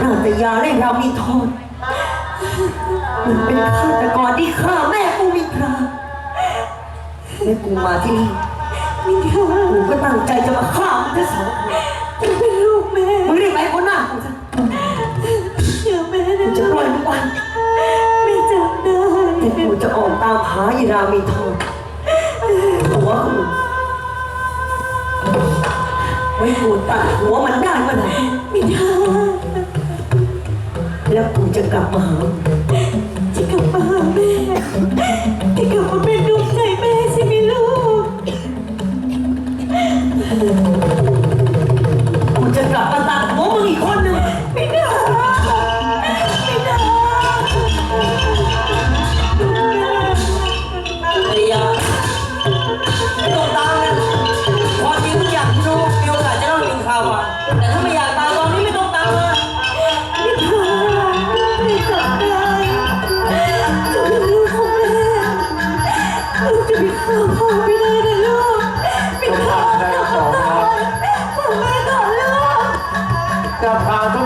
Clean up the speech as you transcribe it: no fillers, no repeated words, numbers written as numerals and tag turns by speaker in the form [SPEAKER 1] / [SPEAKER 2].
[SPEAKER 1] ราชยาและเรามีโทษมันเป็นฆาตกรที่ฆ่าแม่กูมิตราและกูมาที่นี่กูก็ตั้งใจจะมาฆ่ามึงทั้งสองคน
[SPEAKER 2] เป็นลูกแม่
[SPEAKER 1] มึงรีบไปคนหน้ากูซะ
[SPEAKER 2] เชื่อแม่นะ
[SPEAKER 1] จะปล่อยมึงไป
[SPEAKER 2] ไม่จำได้
[SPEAKER 1] แต่กูจะออกตามหายีรามีโทษหัวกูไว้กูตัดหัวมันได้เมื่อไหร่
[SPEAKER 2] ไม่ได้
[SPEAKER 1] แล้วกูจะกลับมาหา
[SPEAKER 2] จะกลับมาหาแม่จะกลับมาเป็นดวงใจแม่ใช่ไหมลูก
[SPEAKER 1] กูจะกลับมาตัดหัวมึงอีกคนหนึ่ง
[SPEAKER 2] ไม่ได้ไม่ได้
[SPEAKER 1] ภรรยาไม่ต้องตามนะความจริงทุกอย่างที่รู้มีโอกาสจะเล่าถึงข่าวมาแต่ถ้าไม่อยากตามตอนนี้ไม่ต้องตามมา
[SPEAKER 2] ไม่ได้ไม่จำได้จะเป็นลูกของแม่ลูกจะไปฆ่าพ่อไม่ได้นะลูกไม่ได้
[SPEAKER 3] ได้สองครับ
[SPEAKER 2] ผมไม่ต่อลูก
[SPEAKER 3] จะพาทุก